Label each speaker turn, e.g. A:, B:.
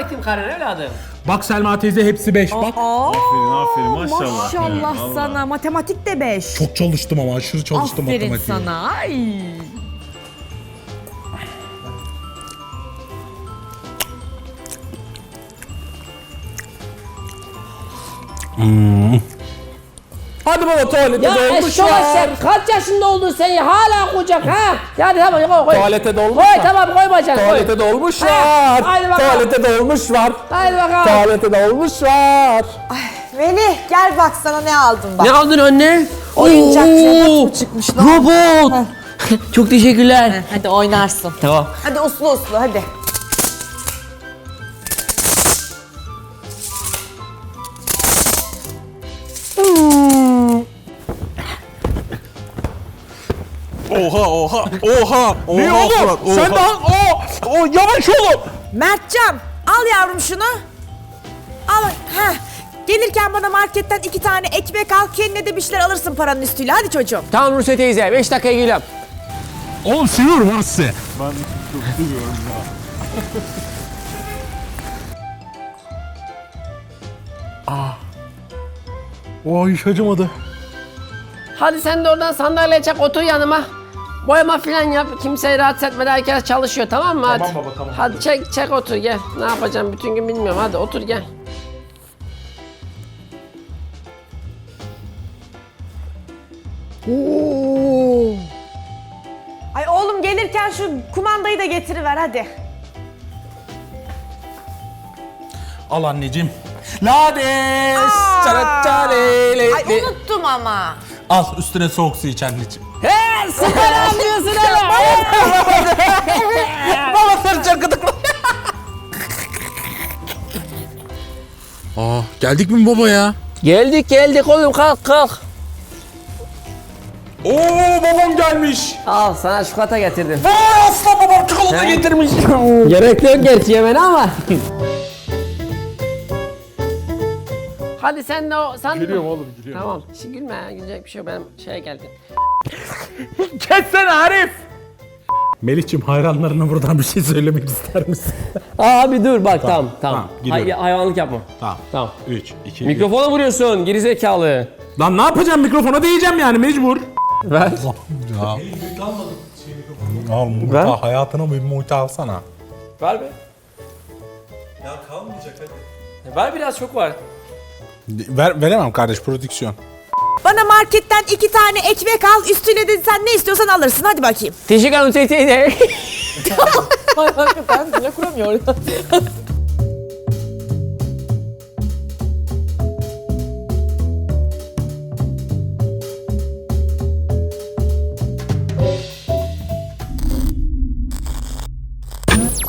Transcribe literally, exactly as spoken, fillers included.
A: bakayım karın evladım.
B: Bak Selma teyze hepsi beş bak.
C: Aa,
D: Aferin aferin maşallah.
C: maşallah
D: Evet,
C: sana. Matematik de beş.
B: Çok çalıştım ama aşırı çalıştım
C: Aferin
B: matematiğe.
C: sana. Ay.
B: Hadi baba tuvalete
A: Ya eşşoğlu sen kaç yaşında oldun sen ya? Hala kucak ha? Hadi tamam koy koy.
B: Tuvalete dolmuş
A: Koy
B: var.
A: tamam koy bacak koy.
B: Tuvalete dolmuş
A: Ha,
B: var.
A: haydi bakalım.
B: Tuvalete dolmuş var.
A: Haydi bakalım.
B: Tuvalete dolmuş var.
C: Melih gel bak sana ne aldım bak.
A: Ne aldın anne?
C: Oyuncak
A: Oo,
C: robot mu çıkmış lan?
A: Robot. Çok teşekkürler.
C: Hadi oynarsın.
A: Tamam.
C: Hadi uslu uslu hadi.
D: Oha oha oha.
B: Ne
D: oha,
B: oğlum?
D: Fırat, oha.
B: Sen daha o o yavaş oğlum.
C: Mertcan al yavrum şunu. Al. Heh. Gelirken bana marketten iki tane ekmek al. Kendine de bir şeyler alırsın paranın üstüyle. Hadi çocuğum.
A: Tamam Nurse teyze beş dakikaya geliyorum.
B: Oğlum seviyorum ha sizi.
D: Ben çok seviyorum ya.
B: O hiç acımadı.
A: Hadi sen de oradan sandalye çek otur yanıma. Boyama falan yap. Kimseyi rahatsız etmeden herkes çalışıyor tamam mı? Hadi.
B: Tamam baba, tamam.
A: Hadi çek çek otur gel. Ne yapacağım bütün gün bilmiyorum. Hadi otur gel.
C: Oo. Ay oğlum gelirken şu kumandayı da getiriver hadi.
B: Al anneciğim. Lades.
C: Aa.
B: çaraçarele.
C: Ay unuttum ama.
B: Al üstüne soğuk su iç anneciğim.
A: He süper anlıyorsun hele.
B: Baba sarıcan gıdıkla. Aa geldik mi baba ya?
A: Geldik geldik oğlum kalk kalk.
B: Oo babam gelmiş.
A: Al sana çikolata getirdim.
B: Vay aslan babam çikolata getirmiş.
A: Gerek yok gerçi yemene ama. Hadi sen de o... Sen
B: Gülüyorum oğlum gülüyorum.
A: Tamam. Şimdi gülme ya. Gülecek bir şey yok. Benim şeye geldim.
B: Kessene Arif. Melih'ciğim hayranlarına buradan bir şey söylemek ister misin?
A: Abi dur bak tamam tamam.
B: tamam, gidiyorum.
A: Hay- hayvanlık yapma.
B: Tamam.
A: Tamam.
B: üç, iki,
A: Mikrofona vuruyorsun gerizekalı.
B: Lan ne yapacağım mikrofona değeceğim yani mecbur.
A: Ver.
B: Ya. Al
A: Ver.
B: muhta hayatına bir muhta alsana.
A: Ver be. Ya kalmayacak hadi. Ver biraz çok var.
B: Ver, veremem kardeş prodüksiyon.
C: Bana marketten iki tane ekmek al. Üstüne de sen ne istiyorsan alırsın. Hadi bakayım.
A: Teşekkür ederim teyze.
C: Ay hakikaten cümle kuramıyor.